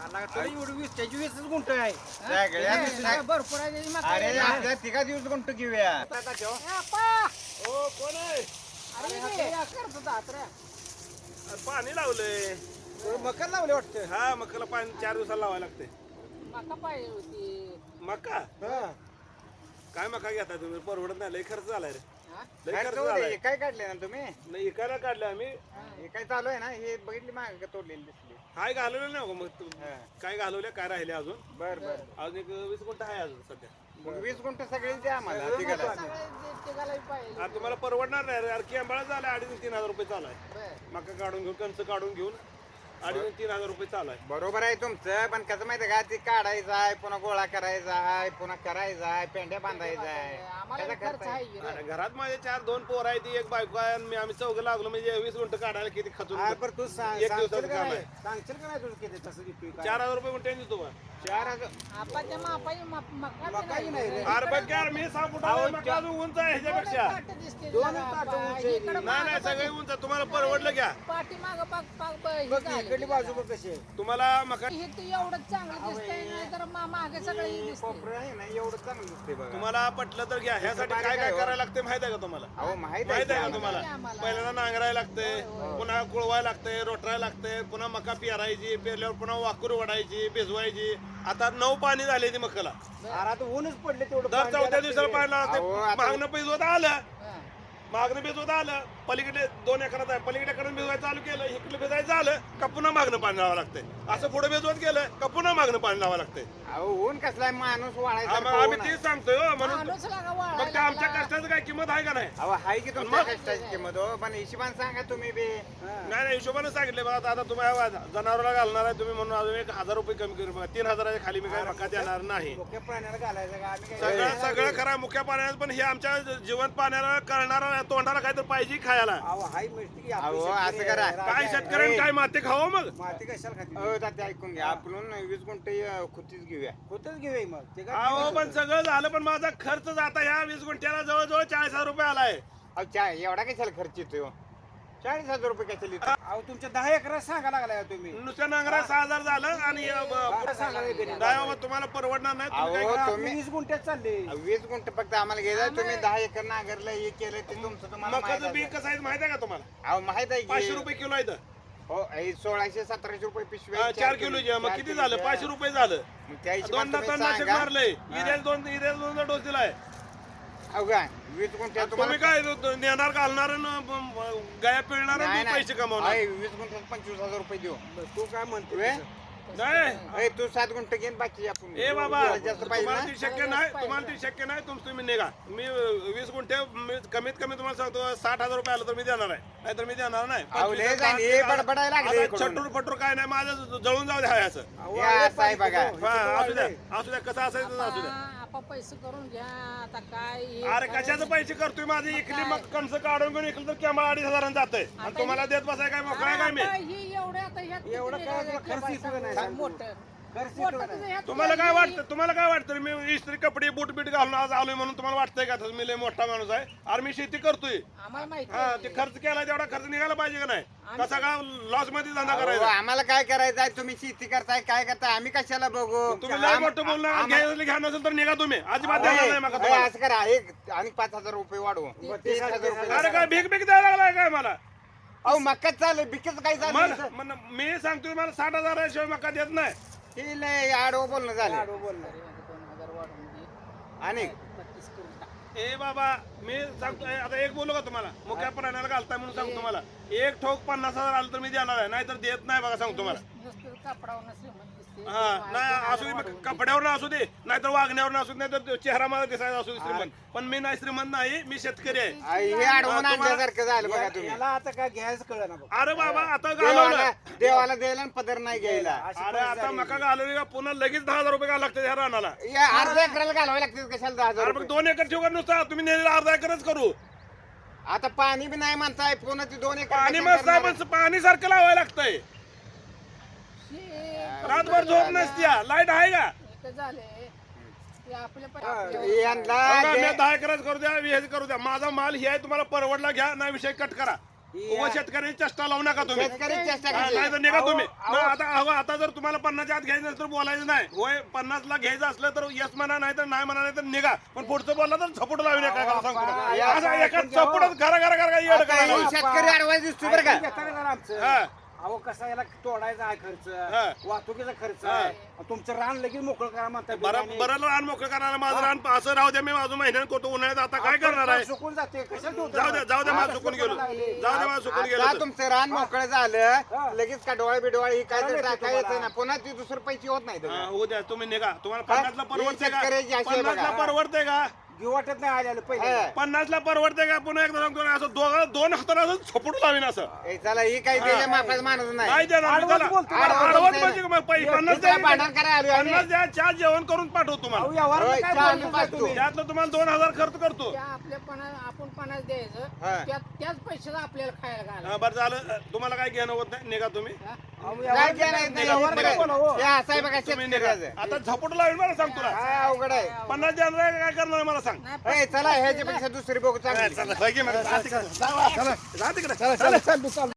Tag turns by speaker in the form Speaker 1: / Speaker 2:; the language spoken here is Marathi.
Speaker 1: तरी एवढी 20 गुंठ आहे.
Speaker 2: भरपूर आहे त्याची मका.
Speaker 3: अरे आपल्या तिघा दिवस गुंठ घेऊया.
Speaker 4: हो कोण आहे? पाणी लावलंय.
Speaker 1: मका लावले वाटतं.
Speaker 4: हा मकाला पाणी 4 दिवसाला लावायला लागते.
Speaker 2: मका पाहिजे होती.
Speaker 4: मका
Speaker 1: हा.
Speaker 4: काय मका घेता तुम्ही? परवडत नाही, लय खर्च झालाय रे.
Speaker 2: हा?
Speaker 4: लय
Speaker 3: काय
Speaker 4: खर्च
Speaker 3: तो
Speaker 4: झालाय.
Speaker 3: हे काय काढले ना तुम्ही?
Speaker 4: नाही इकायला काढलं आम्ही.
Speaker 3: हे काय चालू आहे ना, हे बघितली मागे का तोडलेली दिसली.
Speaker 4: हाय घालवलं नाही हो मग तू.
Speaker 3: हा.
Speaker 4: काय घालवले काय राहिले अजून?
Speaker 3: बर बर.
Speaker 4: अजून एक 20 गुंठ आहे अजून सध्या.
Speaker 3: मग 20 गुंठ सगळे द्या आम्हाला तिघाला.
Speaker 2: सगळे तिघालाही पाहिजे.
Speaker 4: आता तुम्हाला परवडणार नाही रे. अरे आंबाळा झाला 2,500-3,000 रुपये चालू आहे.
Speaker 2: बरं.
Speaker 4: मका काढून घेऊन कंच काढून घेऊन 2,500-3,000 रुपये चालू आहे.
Speaker 3: बरोबर आहे तुमचं, पण कसं माहितीये का, ती काढायचं आहे, पुन्हा गोळा करायचा आहे, पुन्हा करायचा आहे, पेंड्या बांधायचा आहे.
Speaker 2: आम्हाला
Speaker 3: त्याचा
Speaker 2: खर्च आहे की रे.
Speaker 4: अरे घरात माझे 2 पोर आहे, ती एक बायको आहे आणि आम्ही चौघं लागलो म्हणजे 20 गुंठ काढायला किती खचून
Speaker 1: हा, बरं तू सांग-
Speaker 4: एक
Speaker 1: सांगशील
Speaker 4: दिवसाचं
Speaker 1: का
Speaker 4: काम
Speaker 1: नाही?
Speaker 4: आहे.
Speaker 1: सांगशील का नाही तुझं किती तसं किती काय?
Speaker 4: 4,000 रुपये गुंठे देतो बा.
Speaker 3: 4,000.
Speaker 2: आपाच्या मापाची मका
Speaker 1: मकाही नाही रे.
Speaker 4: अरे बघ यार, मी 6 फुटाला मका अजून उंच आहे ह्याच्यापेक्षा.
Speaker 2: दोन
Speaker 1: ताटं उंच आहे.
Speaker 4: नाही नाही सगळे उंच आहे. तुम्हाला परवडलं घ्या.
Speaker 2: पाठी माग
Speaker 1: बघ की, इकडली बाजू बघ कशी आहे.
Speaker 4: तुम्हाला मका
Speaker 2: हे तू एवढं चांगलं दिसतंय नाही तर मागे सगळं
Speaker 3: हे
Speaker 2: दिसतंय.
Speaker 3: कोपरं आहे ना, एवढं चांगलं दिसते बघा.
Speaker 4: तुम्हाला पटलं तर घ्या. ह्यासाठी काय काय करायला लागते माहित आहे का तुम्हाला?
Speaker 3: अहो माहित
Speaker 4: माहित आहे का
Speaker 3: आहे
Speaker 4: तुम्हाला?
Speaker 2: आम्हाला.
Speaker 4: पहिल्यांदा नांगरायला लागते, पुन्हा कुळवायला लागते, रोटरायला लागते, पुन्हा मका पेरायची, पेरल्यावर पुन्हा वाकूर वडायची, भिजवायची. आता 9 पाणी झाले ती मकाला.
Speaker 1: अरे आता ऊनच पडले तेवढं
Speaker 4: दर
Speaker 1: पाणी
Speaker 4: 4थ्या
Speaker 1: द्यायला
Speaker 4: दिवसाला पाणी लागते.
Speaker 3: अहो, आता-
Speaker 4: मागणं भिजवत आलं,
Speaker 2: हा.
Speaker 4: मागणं भिजवत आलं, पलीकडे 2 एकरात आहे, पलीकडे भिजवायचं चालू केलं, इकडे भिजायचं आलं का पुन्हा मागणं पाणी लावावं लागतंय. असं पुढे भिजवत गेलं का पुन्हा मागणं पाणी लावावं लागतंय.
Speaker 3: अहो ऊन कसला आहे, माणूस
Speaker 4: मग
Speaker 3: वाढायचा
Speaker 4: आम्ही तेच सांगतोय हो, म्हणून
Speaker 2: माणूस लागा
Speaker 4: मग
Speaker 2: वाळायला
Speaker 4: ते आमच्या
Speaker 2: लागला.
Speaker 4: कष्टाचं काय किंमत आहे का नाही?
Speaker 3: अहो हाय की तुमच्या कष्टाची किंमत हो, पण हिशोबाने सांगा तुम्ही बी.
Speaker 4: नाही नाही हिशोबाने सांगितले बघा. आता तुम्ही जनावराला घालणार आहे तुम्ही म्हणून अजून 1,000 रुपये कमी करू बघा. 3,000च्या खाली मी काय मका देणार नाही.
Speaker 1: मुख्य प्राण्याला घालायचं का आम्ही काय?
Speaker 4: सगळं सगळं खरं आहे मुख्य पाण्यात, पण हे आमच्या जिवंत पाण्याला करणारा तोंडाला काहीतरी पाहिजे खायला.
Speaker 1: अहो, हाय मिळते की आपली
Speaker 3: अहो,
Speaker 1: शेतकरी
Speaker 3: असं करा.
Speaker 1: आहे, राजा
Speaker 4: काय
Speaker 1: आहे.
Speaker 4: शेतकऱ्यांनी काय माती खावं मग?
Speaker 1: माती कशाला खाते?
Speaker 3: अहो तात्या ऐकून घ्या, आपण 20 गुंठे खुतीच घेऊया.
Speaker 1: होतच घेऊया मग ते काय
Speaker 4: अहो पण सगळं झालं, पण माझा खर्च जाता ह्या 20 गुंठ्याला जवळजवळ 40,000 रुपये आलाय.
Speaker 3: अहो एवढा कशाला खर्च येतोय? 40,000 रुपये कशाला येतो?
Speaker 1: अहो तुमच्या 10 एकर सांगा लागलाय तुम्ही.
Speaker 4: नुसत्या नांगरा 6,000 झालं आणि
Speaker 1: कुठं सांगायला गेले?
Speaker 4: नाही बाबा तुम्हाला परवडणार नाही. तुम्ही काय
Speaker 3: अहो,
Speaker 4: करा?
Speaker 1: तुम्ही 20 गुंठ्यात चालले.
Speaker 3: 20 गुंठे फक्त आम्हाला घ्यायला, तुम्ही 10 एकर नांगरलं, हे केलं ते तुमचं तुम्हाला माहित
Speaker 4: मकाचं बी
Speaker 3: आहे.
Speaker 4: कसं आहे माहिती आहे का तुम्हाला?
Speaker 3: अहो माहित आहे
Speaker 4: 500
Speaker 3: की
Speaker 4: रुपये किलो आहे इथं.
Speaker 3: हो 1600-1700 रुपये पिशवी
Speaker 4: 4 किलोचे मग किती झालं? 500 रुपये झालं.
Speaker 3: मग त्या हिशोबाने
Speaker 4: दोनदा
Speaker 3: तुम्ही
Speaker 4: तणनाशक
Speaker 3: सांगा.
Speaker 4: मारलंय. इरेल दोनदा डोस दिलाय.
Speaker 3: अहो काय 20 गुंठ्यात
Speaker 4: तुम्ही
Speaker 3: तुम्हाला
Speaker 4: काय नेणार घालणार गाया पिळणार
Speaker 3: नाही,
Speaker 4: आणि
Speaker 3: नाही.
Speaker 4: पैसे कमावणार.
Speaker 3: अय, 20 गुंठ्यात 25,000 रुपये देऊ.
Speaker 1: तू काय म्हणतो
Speaker 3: वे?
Speaker 4: नाही
Speaker 3: अय, तू 7 गुंठे घेऊन बाकी आपण
Speaker 4: ए बाबा
Speaker 3: जेवढं जास्त पाहिजे
Speaker 4: तुम्हाला
Speaker 3: ना.
Speaker 4: ती शक्य नाही, तुम्हाला ती शक्य नाही. तुम्ही निघा. मी 20 गुंठे कमीत कमी तुम्हाला सांगतो 60,000 रुपये आलं तर मी देणार आहे, नाहीतर मी देणार नाही.
Speaker 3: अहो, लय जाईन, हे बडबडायला लागले इकडून.
Speaker 4: छटूर फटूर काय नाही, माझं जळून जाऊ द्या असं.
Speaker 3: हे असं आहे बघा.
Speaker 4: असू द्या कसं असायचं तर असू द्या.
Speaker 2: आपण पैसे करून घ्या आता काय हे
Speaker 4: अरे कशाचं पैसे करतोय माझे? इकली मग कणस काढून घेऊन इकलं तर केव्हा 2,500 जातंय आणि तुम्हाला देत बसाय काय मोकळा काय मी?
Speaker 2: आता ही एवढं आता ह्यात
Speaker 1: एवढं
Speaker 2: किती
Speaker 1: काय
Speaker 2: निघालं?
Speaker 1: तुला खर्च येतो का नाही?
Speaker 2: सांग मोठं.
Speaker 1: खर्च
Speaker 2: मोठं
Speaker 1: येतो का
Speaker 2: तुझं
Speaker 1: नाही?
Speaker 2: ह्यात
Speaker 4: तुम्हाला काय
Speaker 2: किती-
Speaker 4: वाटतं? तुम्हाला काय वाटतं मी इस्त्री कपडे बूट बीट घालून आज आलोय म्हणून तुम्हाला वाटतंय का तसं मी लय मोठा माणूस आहे? अरे मी शेती करतोय.
Speaker 2: आम्हाला माहिती
Speaker 4: हा
Speaker 2: आहे.
Speaker 4: ते खर्च केला तेवढा खर्च निघाला पाहिजे का नाही? कसा का लॉस मध्ये धंदा
Speaker 3: अहो,
Speaker 4: करायचा?
Speaker 3: आम्हाला काय करायचंय? तुम्ही शेती करताय, काय करताय? आम्ही कशाला बघू?
Speaker 4: तुम्ही लय मोठं बोलणार घ्या नसेल तर निघा तुम्ही. अजिबात
Speaker 3: अहो,
Speaker 4: देणार नाही मका
Speaker 3: अहो,
Speaker 4: तुम्हाला.
Speaker 3: असं करा, एक आणि 5,000 रुपये वाढवू. 30,000 रुपये.
Speaker 4: अरे काय भीक भीक द्यायला लागलाय काय मला?
Speaker 3: अहो मक्काच चालू, बिकच काय
Speaker 4: मग
Speaker 3: चालू?
Speaker 4: मग मी सांगतोय मला 60,000 शिवाय मका देत नाही.
Speaker 3: हे लय आडवं बोलणं झालं.
Speaker 1: लाडू बोलणार.
Speaker 2: 2,000 वाढवून दे.
Speaker 3: आणि
Speaker 2: 32 करून टाक.
Speaker 4: ए बाबा मी सांगतोय आता एक बोलू का तुम्हाला? मुख्या प्राण्याला घालताय म्हणून सांगतो तुम्हाला. एक ठोक 50,000 आलं तर मी देणार आहे, नाहीतर देत नाही बघा सांगतो तुम्हाला.
Speaker 2: नुसतं कापडावर श्रीमंत दिसते.
Speaker 4: हा नाही असू दे मग कपड्यावर असू दे, नाहीतर वागण्यावर असू दे, नाहीतर चेहरा मला दिसायचा असू दे श्रीमंत. पण मी नाही श्रीमंत नाही, मी शेतकरी आहे.
Speaker 3: हे आडवून
Speaker 4: तुम्हाला-
Speaker 3: आणल्यासारखं झालं बघा तुम्ही.
Speaker 1: याला आता काय घ्यायचं कळलं ना बघ.
Speaker 4: अरे बाबा आता
Speaker 3: देवाला
Speaker 4: घालवलं.
Speaker 3: देवाला द्यायला आणि पदर नाही घ्यायला.
Speaker 1: अशी
Speaker 4: अरे
Speaker 1: परिस्थिती
Speaker 4: आता
Speaker 1: झाली.
Speaker 4: मका घालवली का पुन्हा लगेच 10,000 रुपये घालावं लागतं ह्या रानाला.
Speaker 3: या अर्ध्या एकराला घालवायला लागते कशाला 10,000
Speaker 4: अरे मग
Speaker 3: रुपये?
Speaker 4: 2 एकर ठेवू नुसता तुम्ही नेलेला अर्धा एकरच करू.
Speaker 3: आता पाणी बी नाही म्हणताय, पुन्हा ती 2 एकर
Speaker 4: पाणी
Speaker 3: कशाला
Speaker 4: मस्त
Speaker 3: करणार?
Speaker 4: पण पाणी सारखं लावायला लागतंय.
Speaker 2: हे
Speaker 4: रातभर झोप नसत्या. लाईट आहे का?
Speaker 2: एक झाले ते आपल्या
Speaker 3: यांना
Speaker 4: बघा, मी
Speaker 3: जे-
Speaker 4: 10 एकरच करू द्या, 20 करू द्या. माझा माल हे आहे, तुम्हाला परवडला घ्या, नाही विषय कट करा. उभं शेतकऱ्याची चेष्टा लावू नका तुम्ही
Speaker 3: शेतकरी चेष्टा
Speaker 4: हा,
Speaker 3: करायची.
Speaker 4: नाही तर निघा तुम्ही
Speaker 1: अहो,
Speaker 4: मग आता जर तुम्हाला 50च्या आत घ्यायचं असेल तर बोलायचं नाही होय 50ला घ्यायचं असलं तर यस म्हणा नाही तर नाही म्हणा नाही तर निघा पण पुढचं बोलला तर झपट लावू नका काय सांगतो
Speaker 1: अहो,
Speaker 4: असं
Speaker 1: अहो,
Speaker 4: एका
Speaker 1: ऐकून घ्या,
Speaker 4: चपटच घरा घरा घरा येड
Speaker 3: आता
Speaker 4: करायला
Speaker 3: हे
Speaker 4: लागला.
Speaker 3: शेतकरी अडवायस दिसतो बरं का
Speaker 1: ऐकून घेता का जरा आमचं
Speaker 4: हा.
Speaker 1: अहो कसा याला तोडायचा आहे
Speaker 4: हा.
Speaker 1: खर्च वाहतुकीचा खर्च आहे तुमचं रान लगेच मोकळं करा म्हणता
Speaker 4: बरं रान मोकळं करायला माझं रान असं राहू द्या मी माझं महिन्यात करतो उन्हाळ्यात आता काय करणार आहे
Speaker 1: सुकून जाते कशाला ठेवता?
Speaker 4: जाऊ द्या मला चुकून गेलो जाऊ द्या मला चुकून गेलो
Speaker 3: आता
Speaker 4: तर.
Speaker 3: तुमचं रान मोकळं झालं लगेच का डोळे बिडोळे ही काय तर
Speaker 1: चालेल
Speaker 3: टाका
Speaker 1: तुम्हाला.
Speaker 3: येते ना पुन्हा ती दुसरं पैसे होत नाही
Speaker 4: हा, होऊ द्या तुम्ही निघा तुम्हाला
Speaker 3: काय?
Speaker 4: 50ला परवडते का
Speaker 3: शेतकऱ्याची अशी आहे
Speaker 4: 50ला
Speaker 3: बघा.
Speaker 4: परवडते का
Speaker 1: घेऊ वाटत नाही आलेलं पहिले
Speaker 3: हा.
Speaker 4: 50ला परवडते का पुन्हा एकदा सांगतो ना, असं दोन हाताला असं झोपट लावीन असं
Speaker 3: चला ही काही त्याच्या मापाचं माणूस
Speaker 4: नाही
Speaker 3: नाही
Speaker 4: देणार मी
Speaker 1: आडवंच
Speaker 4: त्याला.
Speaker 1: बोलतो.
Speaker 4: आडवंच म्हणजे मग 50
Speaker 3: इथं भांडण करायला आलोय आम्ही.
Speaker 4: 50 द्या चहा जेवण करून पाठवतो
Speaker 1: अहो,
Speaker 4: तुम्हाला
Speaker 1: व्यवहाराला
Speaker 3: होय,
Speaker 1: काय
Speaker 3: चहा
Speaker 1: बोलता
Speaker 3: आम्ही पाजतो.
Speaker 1: तुम्ही?
Speaker 4: त्यातलं तुम्हाला 2000 खर्च करतो
Speaker 2: त्या आपल्या आपण 50 द्यायचं
Speaker 3: हा.
Speaker 2: त्याच पैशाचा आपल्याला खायला घाला
Speaker 4: हा, बरं झालं तुम्हाला काय घेणं होत नाही निघा तुम्ही
Speaker 1: अहो,
Speaker 3: काय
Speaker 1: व्यवहार
Speaker 3: घ्या नाही, नाही,
Speaker 1: व्यवहार
Speaker 3: बरं.
Speaker 1: काय बोलावं?
Speaker 3: हे असं आहे बघा
Speaker 4: तुम्ही निघा
Speaker 3: शेतकऱ्याचं.
Speaker 4: आता झपट लावीन मला सांग तुला
Speaker 3: काय अवघड आहे
Speaker 4: 50 देणार आहे का काय करणार आहे मला सांग
Speaker 2: नाही
Speaker 3: ए, चला ह्याच्यापेक्षा दुसरी बघू चांगली
Speaker 4: चला, जा तिकडे. जा तिकडे.
Speaker 1: चला, चल, तू चाल.